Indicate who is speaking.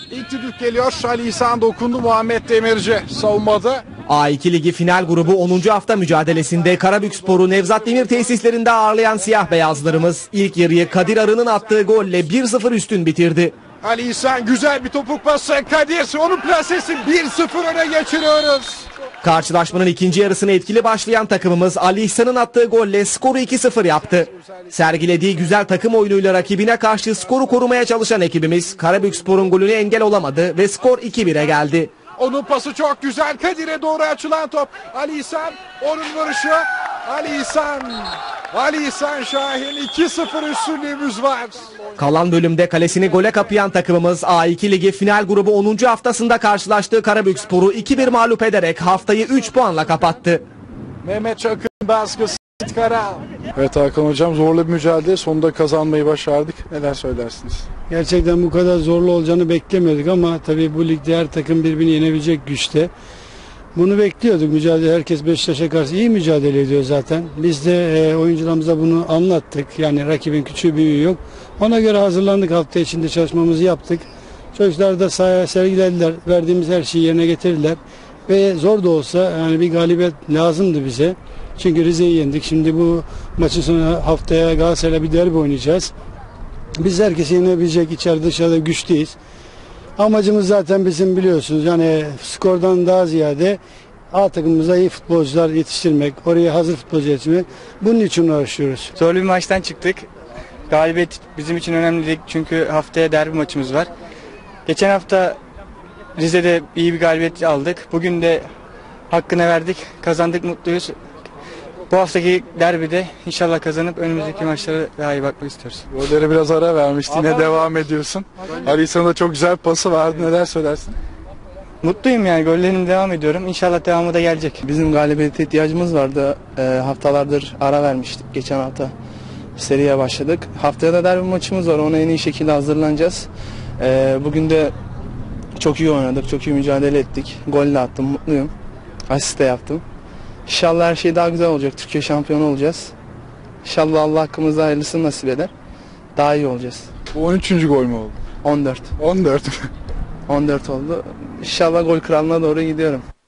Speaker 1: İlk düdük geliyor. Ali İhsan dokundu. Muhammed Demirci savunmada.
Speaker 2: A2 Ligi final grubu 10. hafta mücadelesinde Karabükspor'u Nevzat Demir tesislerinde ağırlayan siyah beyazlarımız ilk yarıyı Kadir Arı'nın attığı golle 1-0 üstün bitirdi.
Speaker 1: Ali İhsan güzel bir topuk pası. Kadir onun plasesi 1-0 öne geçiriyoruz.
Speaker 2: Karşılaşmanın ikinci yarısına etkili başlayan takımımız Ali İhsan'ın attığı golle skoru 2-0 yaptı. Sergilediği güzel takım oyunuyla rakibine karşı skoru korumaya çalışan ekibimiz Karabükspor'un golüne engel olamadı ve skor 2-1'e geldi.
Speaker 1: Onun pası çok güzel. Kadir'e doğru açılan top. Ali İhsan onun vuruşu. Ali İhsan Şahin 2-0 üstünlüğümüz var.
Speaker 2: Kalan bölümde kalesini gole kapayan takımımız A2 Ligi final grubu 10. haftasında karşılaştığı Karabükspor'u 2-1 mağlup ederek haftayı 3 puanla kapattı.
Speaker 1: Mehmet Çakır'ın baskısı Kara. Evet Hakan Hocam, zorlu bir mücadele, sonunda kazanmayı başardık. Neler söylersiniz?
Speaker 3: Gerçekten bu kadar zorlu olacağını beklemiyorduk ama tabii bu ligde her takım birbirini yenebilecek güçte. Bunu bekliyorduk. Mücadele, herkes Beşiktaş'a karşı iyi mücadele ediyor zaten. Biz de oyuncularımıza bunu anlattık. Yani rakibin küçüğü büyüğü yok. Ona göre hazırlandık. Hafta içinde çalışmamızı yaptık. Çocuklar da sahaya sergilediler. Verdiğimiz her şeyi yerine getirdiler. Ve zor da olsa yani bir galibiyet lazımdı bize. Çünkü Rize'yi yendik. Şimdi bu maçın sonra haftaya Galatasaray'la bir derbi oynayacağız. Biz herkesi yenebilecek, içeride dışarıda güçteyiz. Amacımız zaten bizim, biliyorsunuz, yani skordan daha ziyade A takımımıza iyi futbolcular yetiştirmek, oraya hazır futbolcu yetiştirmek. Bunun için uğraşıyoruz.
Speaker 4: Zorlu bir maçtan çıktık. Galibiyet bizim için önemli değil çünkü haftaya derbi maçımız var. Geçen hafta Rize'de iyi bir galibiyet aldık. Bugün de hakkını verdik, kazandık, mutluyuz. Bu haftaki derbide inşallah kazanıp önümüzdeki maçlara daha iyi bakmak istiyoruz.
Speaker 1: Golleri biraz ara vermişti, yine devam ediyorsun. Ali İhsan'a da çok güzel pası vardı, neler söylersin?
Speaker 4: Mutluyum yani, gollerim devam ediyorum. İnşallah devamı da gelecek.
Speaker 5: Bizim galibiyete ihtiyacımız vardı. Haftalardır ara vermiştik. Geçen hafta seriye başladık. Haftaya da derbi maçımız var. Ona en iyi şekilde hazırlanacağız. Bugün de çok iyi oynadık. Çok iyi mücadele ettik. Gol de attım. Mutluyum. Asist de yaptım. İnşallah her şey daha güzel olacak. Türkiye şampiyonu olacağız. İnşallah Allah hakkımızda hayırlısını nasip eder. Daha iyi olacağız.
Speaker 1: Bu 13. gol mü oldu?
Speaker 5: 14.
Speaker 1: 14.
Speaker 5: 14 oldu. İnşallah gol kralına doğru gidiyorum.